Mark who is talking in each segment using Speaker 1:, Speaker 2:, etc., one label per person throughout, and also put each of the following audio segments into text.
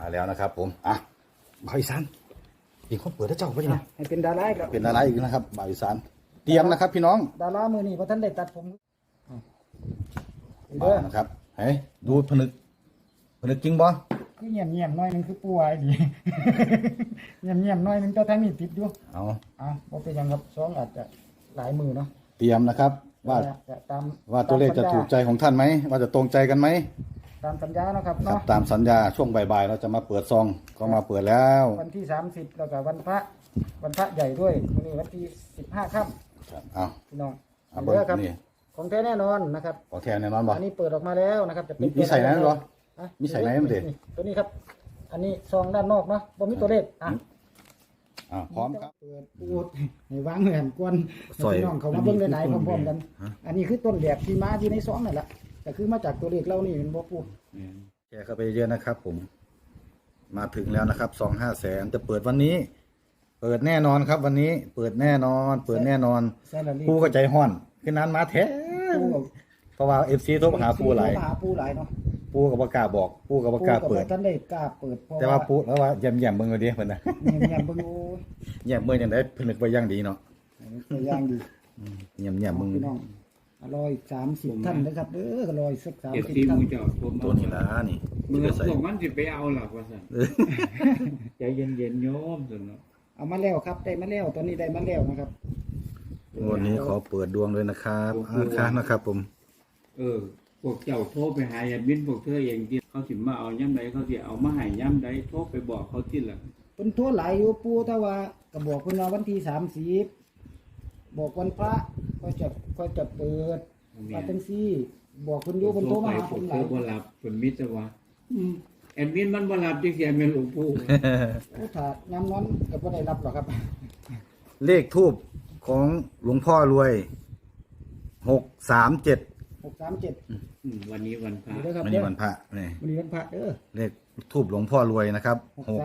Speaker 1: แล้วนะครับผมบ่าวอีสานอีกคนเปิดให้เจ้าไปยังไง
Speaker 2: ให้เป็นดาราครับ
Speaker 1: เป็นอะไรอีกนะครับบ่าวอีสานเตรียมนะครับพี่น้อง
Speaker 2: ดารามือนี่เพราะท่านได้ตัดผม
Speaker 1: มานะครับเฮ้ยดูผนึกจริงบ่
Speaker 2: คือเงียบๆน้อยนึงคือป่วยดีเงียบๆน้อยนึงเจ้าทั้งนี้ติดอยู่บ่เป็นยังครับสองอาจจะหลายมือเนาะ
Speaker 1: เตรียมนะครับว่าตัวเลขจะถูกใจของท่านไหมว่าจะตรงใจกันไหม
Speaker 2: ตามสัญญานะครับเนาะ
Speaker 1: ตามสัญญาช่วงบ่ายๆเราจะมาเปิดซองก็มาเปิดแล้ว
Speaker 2: วันที่30แล้วก็วันพระใหญ่ด้วยวันนี้วันที่15ค่ำพี่น้องเอาเด้อครับของแท้แน่นอนนะครับ
Speaker 1: ของแท้แน่นอนบ่
Speaker 2: อันนี้เปิดออกมาแล้วนะครับจะ
Speaker 1: มีใส่ไหนหรอมีใส่ไหนมันเด็ด
Speaker 2: ตัวนี้ครับอันนี้ซองด้านนอกเนาะบ่มีตัวเลข
Speaker 1: พร้อมครับ
Speaker 2: เปิดปูดให้วางแผ่นกวนพี่น้องเขามาเบิ่งหลายๆพร้อมๆกันอันนี้คือต้นแบบที่มาที่ในซองนั่นแหละแต่คือมาจากตัวเลขเรานี่เป็นบ่ปู
Speaker 1: แชร์เข้าไปเยอะนะครับผมมาถึงแล้วนะครับ2-500,000จะเปิดวันนี้เปิดแน่นอนครับวันนี้เปิดแน่นอนปูก็ใจห้อนขึ้นนั้นมาแท้เพราะว่า FC โทรมาหาปูหลาย
Speaker 2: เนาะ
Speaker 1: ปูกับประกาศบอกปูกับประกาศเปิด
Speaker 2: ท่านได้กล้าเปิด
Speaker 1: แต่ว่าปูแล้วว่าแย่มเบิ่งเอาดิเพิ่นน่ะ
Speaker 2: แย่มเบิ่ง
Speaker 1: แย่มเบิ่งจังได๋ผนึกไว้อย่างดีเนาะ
Speaker 2: อย่างดี
Speaker 1: แย่มเบิ่ง
Speaker 2: พี่น้อง130ท่านนะครับก็130
Speaker 3: ท่าน
Speaker 1: ตัวนี้ล่ะนี่
Speaker 3: มือส่งมันสิไปเอาหรอกว่าซั่นใจเย็นๆโยมซั่นเนาะ
Speaker 2: เอามาแล้วครับได้มาแล้วตอนนี้ได้มาแล้วนะครับ
Speaker 1: วันนี้ขอเปิดดวงเลยนะครับนะครับผม
Speaker 3: พวกเจ้าโทรไปหาแอดมินพวกเธอเองที่เขาสิมาเอาย่ำใดเขาสิเอามาให้ย่ำใดโทรไปบอกเขาที่ละ
Speaker 2: เพิ่นโทรหลายอยู่ปู่แต่ว่าก็บอกเพิ่นว่าวันที่30บอกวันพระก็จะเปิดว่าจังซี่บอกเพิ่นอยู่เพิ่นโทรมาหาผมหลาย
Speaker 3: บ่รับเพิ่นมีแต่ว่าแอดมินมันบ่รับจังซี่แม่นหลวงปู่
Speaker 2: ถ้ายามนั้นก็บ่ได้รับหรอกครับ
Speaker 1: เลขทูปของหลวงพ่อรวย637
Speaker 3: วันนี้วันพระ
Speaker 1: วันนี้วันพระนี่
Speaker 2: วันนี้วันพระ
Speaker 1: เลขทูปหลวงพ่อรวยนะครับ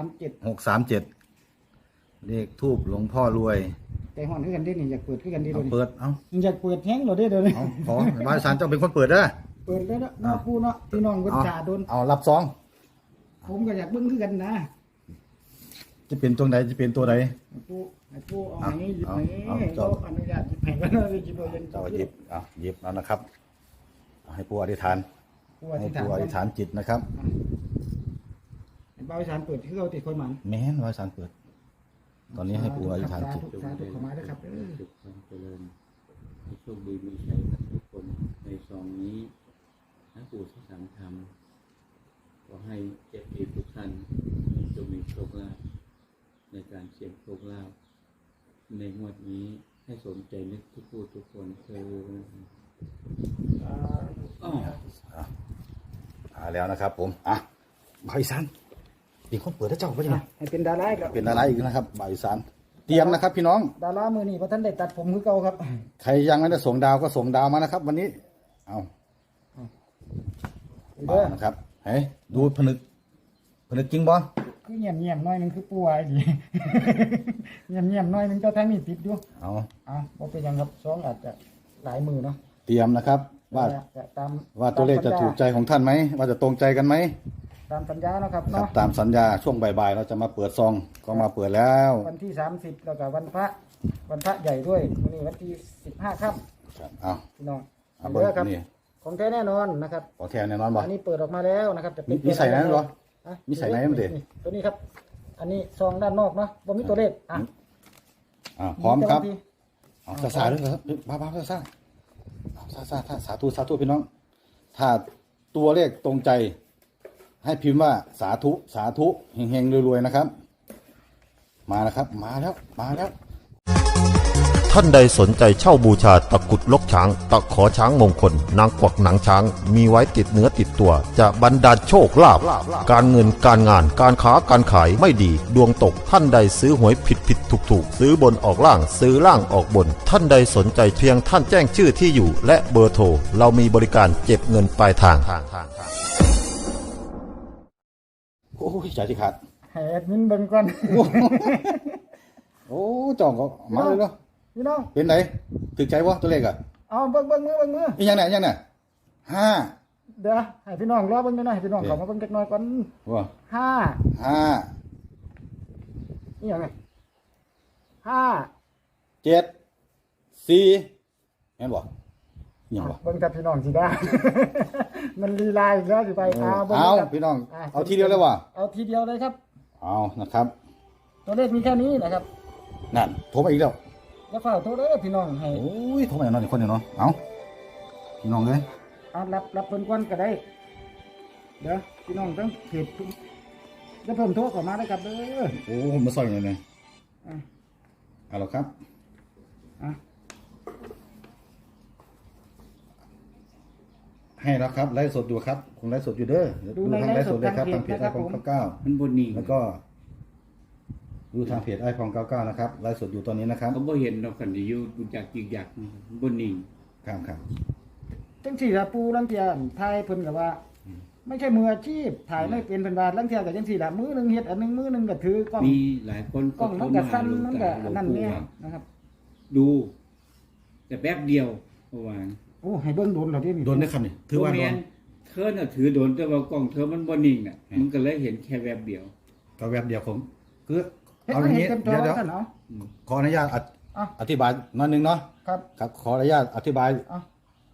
Speaker 1: 637เลขทูปหลวงพ่อรวย
Speaker 2: แต่ฮ้อนคือกันดินี่อยากเปิดคือกันดิ
Speaker 1: เปิด
Speaker 2: อยากเปิดแฮงเหรอเด้อเดี๋ยวนี้
Speaker 1: ขอบ่าวอีสานเจ้าเป็นคนเปิดเด้อ
Speaker 2: เปิดแล้วเนาะปู่เนาะพี่น้องเพิ่นจ่าโดน
Speaker 1: รับซอง
Speaker 2: ผมก็อยากเบิ่งคือกันนะ
Speaker 1: จะเป็นตัวไหน
Speaker 2: ปู่เอาอย่างนี้หยิบให้เจ้าอนุญาตหยิบให้กันเลยกินโดยเย็น
Speaker 1: เจ้าหยิบแล้วนะครับให้ปู่อธิษฐานจิตนะครับ
Speaker 2: บ่าวอีสานเปิดคือเอาติดคนหมัน
Speaker 1: แม่นบ่าวอีสานเปิดตอนนี้ให้ปู่อธิษฐานจิต
Speaker 2: สาธุเข้ามาด้วยครับ
Speaker 3: ทุกคนเจริญโชคดีมีชัยกับทุกคนในซองนี้นะปู่ที่สังธรรมขอให้เจ็บปีทุกท่านจงมีโชคลาภในการเสี่ยงโชคลาภในงวดนี้ให้สนใจนึกทุกผู้ทุกคน
Speaker 1: แล้วนะครับผมบ่าวอีสานอีกคนเปิดให้เจ้าไปยังไง
Speaker 2: ให้เป็นดาราครับ
Speaker 1: เป็นดาราอีกนะครับบ่าวอีสานเตรียมนะครับพี่น้อง
Speaker 2: ดารามือนี่เพราะท่านได้ตัดผมคือเก่าครับ
Speaker 1: ใครยังไม่ได้ส่งดาวก็ส่งดาวมานะครับวันนี้มานะครับเฮ้ยดูผนึกจริงบ่
Speaker 2: คือเงียบน้อยนึงคือป่วยดีเงียบน้อยนึงเจ้าทั้งนี้ติดอยู่บ่เป็นยังครับสองอาจจะหลายมือเนาะ
Speaker 1: เตรียมนะครับว่าตัวเลขจะถูกใจของท่านไหมว่าจะตรงใจกันไหม
Speaker 2: ตามสัญญานะครับเนาะ
Speaker 1: ตามสัญญาช่วงบ่ายๆเราจะมาเปิดซองก็มาเปิดแล้ว
Speaker 2: วันที่30แล้วก็วันพระใหญ่ด้วยวันนี้วันที่15ค่ำพี่น้องเอาเด้อครับของแท้แน่นอนนะครับ
Speaker 1: ของแท้แน่นอนบ่
Speaker 2: อันนี้เปิดออกมาแล้วนะครับจะ
Speaker 1: มีใส่ไหนหรอมีใส่ไหนมันเด็ด
Speaker 2: ตัวนี้ครับอันนี้ซองด้านนอกเนาะบ่มีตัวเลข
Speaker 1: พร้อมครับสาธุด้วยครับบ้าสาธุพี่น้องถ้าตัวเลขตรงใจให้พิมพ์ว่าสาธุเฮงๆรวยๆนะครับมาแล้วครับมาแล้ว
Speaker 4: ท่านใดสนใจเช่าบูชาตะกรุดลกช้างตะขอช้างมงคลนางกวักหนังช้างมีไว้ติดเนื้อติดตัวจะบรรดาลโชคลาภการเงินการงานการค้าการขายไม่ดีดวงตกท่านใดซื้อหวยผิดถูกซื้อบนออกล่างซื้อล่างออกบนท่านใดสนใจเพียงท่านแจ้งชื่อที่อยู่และเบอร์โทรเรามีบริการเก็บเงินปลายทาง
Speaker 1: โอ้ยใจที่ขาด
Speaker 2: แอดมินเบิ่งก่อน
Speaker 1: โอ้จ่องก็มาเลยเนาะ
Speaker 2: พี่น้อง
Speaker 1: เป็นไหนถึกใจวะตัวเลขอ่ะ
Speaker 2: เอาเบิ่งมือ
Speaker 1: อีกอย่างไหน5
Speaker 2: เดี๋ยวให้พี่น้องรอเบิ่งหน่อยให้พี่น้อง
Speaker 1: โอเค
Speaker 2: เข้ามาเบิ่งจักหน่อยก่อน
Speaker 1: ว่า
Speaker 2: ห้า
Speaker 1: 5
Speaker 2: นี่หยังไงห้า
Speaker 1: 7 4แม่นบ่ยังบ่
Speaker 2: เบิ่งกับพี่น้องสิได้ มันลีลาอีกแล้วสิไปบิ่ง
Speaker 1: เอา
Speaker 2: ครับ
Speaker 1: พี่น้องเอาทีเดียวเลยว่ะ
Speaker 2: เอาทีเดียวเลยครับ
Speaker 1: เอานะครับ
Speaker 2: ตัวเลขมีแค่นี้นะครับ
Speaker 1: นั่นโทรมาอีกแล้ว
Speaker 2: แล้วฝากโทรเด้อพี่น้องให้
Speaker 1: โอ้ยโทรมาอีกเนาะอีกคนหนึงเนาะเอาพี่น้องเอ้ย
Speaker 2: เอารับเพิ่นก่อนก็ได้ เดี๋ยวพี่น้องต้องเพจแล้วเพิ่มโทรเข้ามาได้ครับเด้อ
Speaker 1: โอ้มาซอยหน่อยเลย
Speaker 2: อ่ะ
Speaker 1: เอาละครับ
Speaker 2: อ่ะ
Speaker 1: ให้แล้วครับไลฟ์สดอยู่ครับคงไลฟ์สดอยู่เด้อดูทางไลฟ์สดเลยครับทางเพจไอคอน99
Speaker 3: มันบนนิ่ง
Speaker 1: แล้วก็ดูทางเพจไอคอน99นะครับไลฟ์สดอยู่ตอนนี้นะครับ
Speaker 3: เขาบ่เห็นเรากันที่อยู่ดูจากจิกยักบนนิ่ง
Speaker 1: ครับครับ
Speaker 2: จังสี่ละปูลังเทียถ่ายเพิ่นก็ว่า ไม่ใช่มืออาชีพถ่ายไม่เป็นเพิ่นว่าลังเทียก็จังสี่ละมือหนึงเฮ็ดอันหนึงมือหนึงก็ถือกล้อง
Speaker 3: มีหลายคน
Speaker 2: กล้องมันก็สั้นมันก็
Speaker 3: หลวง
Speaker 2: นั่น
Speaker 3: ปู่
Speaker 2: เนี่ย
Speaker 3: ว่า
Speaker 2: นะครับ
Speaker 3: ดู แต่แป๊บเดียวเมื่อวาน
Speaker 2: โอ้ให้เบิ่งโดนเหรอที่นี่
Speaker 1: โดนได้คำนี่ถือว่าโดน
Speaker 3: เธอน่ะถือโดนแต่ว่ากล้องเธอมันบนนิ่งน่ะมันก็เลยเห็นแค่แวบเดียว
Speaker 1: ก็แวบเดียวผมคือ
Speaker 2: เฮ็ด
Speaker 1: เอาอ
Speaker 2: ให้
Speaker 1: ย่างนี้
Speaker 2: เต็มจอ
Speaker 1: เดี๋ยว
Speaker 2: กันเนาะ
Speaker 1: ขออนุญาต
Speaker 2: อ่ะ
Speaker 1: อธิบายหน้อยหนึงเนาะ
Speaker 2: ครับ
Speaker 1: ครับขออนุญาตอธิบาย
Speaker 2: อ่ะ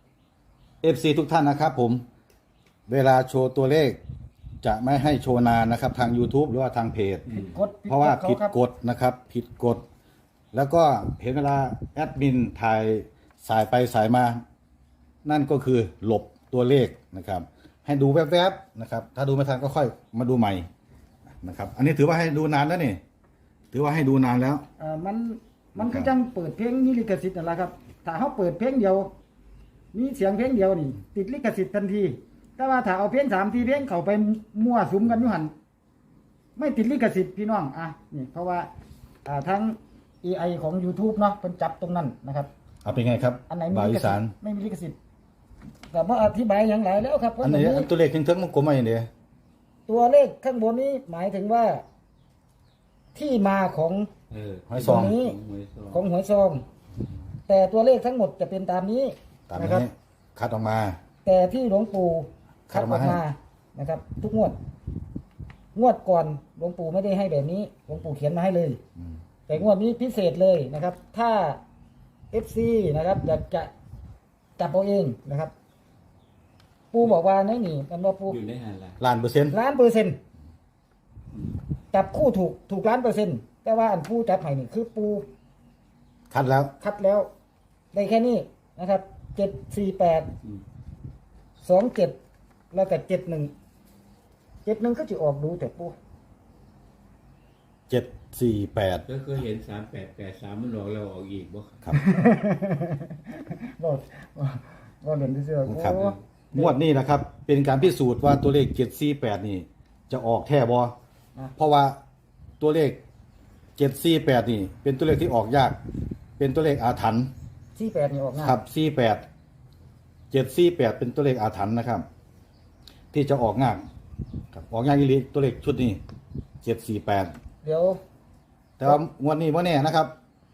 Speaker 1: FC ทุกท่านนะครับผมเวลาโชว์ตัวเลข จะไม่ให้โชว์นานนะครับ ทาง YouTube หรือว่าทางเพจ
Speaker 2: ผิดกฎ
Speaker 1: เพราะว่าผิด
Speaker 2: ครับ
Speaker 1: กฎนะครับ ผิดกฎ แล้วก็เห็นเวลาแอดมินถ่ายสายไปสายมา นั่นก็คือหลบตัวเลขนะครับ ให้ดูแวบๆนะครับ ถ้าดูไม่ทันก็ค่อยมาดูใหม่นะครับ อันนี้ถือว่าให้ดูนานแล้วนี่ถือว่าให้ดูนานแล้ว
Speaker 2: มันคือจังเปิดเพลงมีลิขสิทธิ์นั่นแหละครับ ถ้าเขาเปิดเพลงเดียว มีเสียงเพลงเดียวนี่ ติดลิขสิทธิ์ทันที แต่ว่าถ้าเอาเพลง3 4เพลงเข้าไปมั่วสุมกันอยู่หั่นไม่ติดลิขสิทธิ์พี่น้องอ่ะนี่เพราะว่าทั้ง AI ของ YouTube เนาะเพิ่นจับตรงนั้นนะครับ
Speaker 1: เอาเป็นไงครับ
Speaker 2: อันไหนมี
Speaker 1: บ่าว
Speaker 2: ลิ
Speaker 1: อี
Speaker 2: ขสิ
Speaker 1: สา
Speaker 2: ท
Speaker 1: น
Speaker 2: ธิ์ไม่มีลิขสิทธิ์แต่ว่าอธิบายอย่างไรแล้วครับ
Speaker 1: อันไหน
Speaker 2: ว่า
Speaker 1: ตัวเลขเทิงๆมันกลมมาอย่างเดียว
Speaker 2: ตัวเลขข้างบนนี้หมายถึงว่า ที่มาของ
Speaker 1: หอย
Speaker 2: ต
Speaker 1: ซ
Speaker 2: ร
Speaker 1: อง ง
Speaker 2: นี้ของหวยซอง แต่ตัวเลขทั้งหมดจะเป็นตามนี้
Speaker 1: ตาม
Speaker 2: นะ
Speaker 1: นี้
Speaker 2: ครับ
Speaker 1: คัดออกมา
Speaker 2: แต่ที่หลวงปู่คัดออก
Speaker 1: คัดออกมา
Speaker 2: มานะครับ ทุกงวดก่อนหลวงปู่ไม่ได้ให้แบบนี้หลวงปู่เขียนมาให้เลย แต่งวดนี้พิเศษเลยนะครับ ถ้า FC นะครับอยากจะจับเอาเองนะครับ ปูบอกว่าไหนนี่มันว่าปู
Speaker 3: อยู่ในหาละ
Speaker 1: ล้านเปอร์เซ็นต์
Speaker 2: 1,000,000%จับคู่ถูก1,000,000%แต่ว่าอันปูจับให้นี่คือปู
Speaker 1: คัดแล้ว
Speaker 2: คัดแล้วได้แค่นี้นะครับ74827แล้วก็71ก็จะออกดูแต่ปู
Speaker 1: 748
Speaker 3: ก็เคยเห็น3883มันหลอกเราออกอีกบ่
Speaker 1: ครับ
Speaker 2: บอกเด่นที่เสือ
Speaker 1: ครับ งวดนี้นะครับ เป็นการพิสูจน์ว่าตัวเลข 748 นี่ จะออกแท้บ่เพราะว่าตัวเลข 748 นี่ เป็นตัวเลขที่ออกยาก เป็นตัวเลขอาถรรพ์
Speaker 2: 48นี่ออกง่าย
Speaker 1: ครับ 48 748 เป็นตัวเลขอาถรรพ์นะครับ ที่จะออกง่ายครับออกง่ายอีหลีตัวเลขชุดนี้ 748
Speaker 2: เดี๋ยว
Speaker 1: แต่ว่างวดนี้บ่แน่นะครับ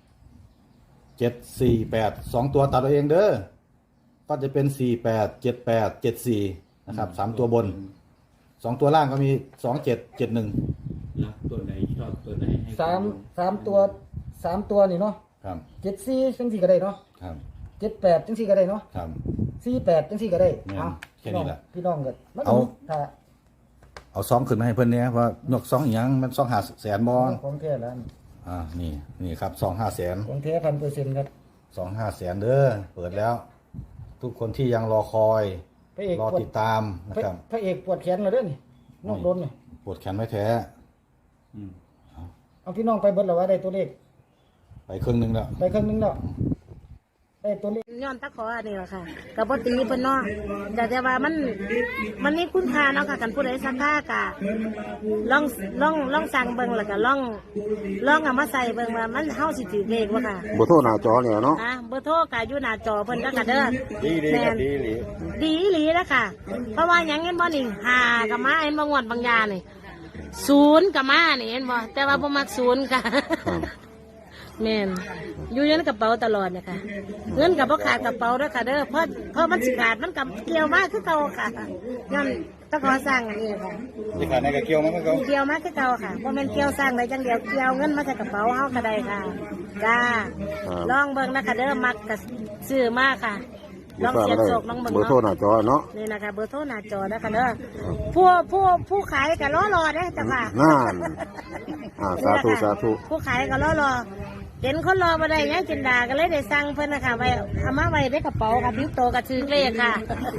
Speaker 1: 748 2 ตัวตัดเอาเองเด้อ ก็จะเป็น 48 78 74 นะครับ 3 ตัวบน 2 ตัวล่างก็มี 27 71
Speaker 3: รักตัวไหนชอบตัวไหนให้
Speaker 2: สามตัวนี่เนาะ
Speaker 1: ครับ
Speaker 2: 74จังสี่ก็ได้เนาะ
Speaker 1: ครับ
Speaker 2: 78จังสี่ก็ได้เนาะ
Speaker 1: ครับ
Speaker 2: 48จังสี่ก็ได้
Speaker 1: แม่น
Speaker 2: เอา
Speaker 1: แค่นี้แหละ
Speaker 2: พี่น้องก็มัน
Speaker 1: เอา
Speaker 2: ถ้า
Speaker 1: เอาซองขึ้นมาให้เพิ่นเนี่ยว่านกซองอีหยังมันซอง5แสนบ่
Speaker 2: ของแท้แล้ว
Speaker 1: นี่ครับซอง5แสน
Speaker 2: ของแท้1,000%ครับ
Speaker 1: ซอง5แสนเด้อ เปิดแล้ว ทุกคนที่ยังรอคอย
Speaker 2: พระเอก
Speaker 1: รอ
Speaker 2: ปวด
Speaker 1: ติดตามนะครับ
Speaker 2: พระเอกปวดแขนแล้วเด้อนี่นอกโดนนี่
Speaker 1: ปวดแขนไม่แท้
Speaker 3: อืม
Speaker 2: เอาพี่น้องไปเบิดแล้วว่าได้ตัวเลข
Speaker 1: ไปครึ่งหนึงแล้ว
Speaker 2: ไปครึ่งนึงแล้วได้ตัวเลข
Speaker 5: ย้อนตะขออันนี้แหละค่ะกับปตีเพิ่นเนาะแต่ว่ามันมีคุณค่าเนาะค่ะกันผู้ใดสักค่ากะลองสั่งเบิ่งแล้วก็ลองเอามาใส่เบิ่งว่ามันเฮาสิถือเลขบ่ค่ะ
Speaker 6: บ่โทรหน้าจอเนี่ยเนาะ
Speaker 5: เบอร์โทรก็อยู่หน้าจอเพิ่นแล้วก็เด้อดีครับดีอีหลีแล้วค่ะ เพราะว่าหยังเห็นบ่นี่5ก็มาเห็นบ่งวดบางยานี่0ก็มานี่เห็นบ่แต่ว่าบ่มัก0ค่ะแม่นอยู่ในกระเป๋าตลอดเนี่ยค่ะเงินกับพ่ขาดกระเป๋าด้วยค่ะเด้อเพราะมันสิขาดมันกับเกี่ยวมากคือเก่าค่ะย้อนตะขอสร้างอันนี้ค่ะ
Speaker 1: ที่ขาดในกระเกี่ยวมั้งเขา
Speaker 5: เกี่ยวมากคือเก่าค่ะเพราะมันเกี่ยวสร้างได้จังเดียวเกี่ยวเงินมาใส่กระเป๋าเฮาก็ได้ค่ะจ้าลองเบิ่งนะคะเด้อมักกับซื้อมากค่ะลองเสียบโศกลองเบิ่ง
Speaker 6: เบอร์โทรห
Speaker 5: เนาะ
Speaker 6: น้าจอเนาะ
Speaker 5: นี่นะคะเบอร์โทรหน้าจอนะคะเด้อผู้ขายก็รอเด้อจ้ะค่ะ
Speaker 6: นั่นสาธุสาธุ
Speaker 5: ผู้ขายก็รอเห็นคนรอมาได้ยังจินดาก็เลยได้สั่งเพิ่นนะคะไว้เอามาไว้ในกระเป๋าค่ะบิ้วโตกับชื่อเลขค่ะ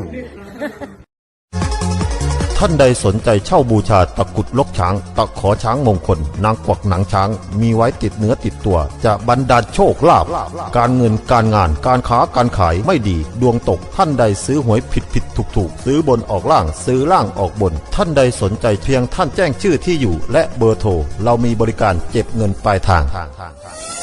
Speaker 4: ท่านใดสนใจเช่าบูชาตะกรุดลกช้าง ตะขอช้างมงคล นางกวักหนังช้าง มีไว้ติดเนื้อติดตัว จะบรรดาลโชคลาภการเงินการงานการค้าการขายไม่ดี ดวงตกท่านใดซื้อหวยผิดถูกซื้อบนออกล่างซื้อล่างออกบน ท่านใดสนใจเพียงท่านแจ้งชื่อที่อยู่ และเบอร์โทรเรามีบริการเก็บเงินปลายทาง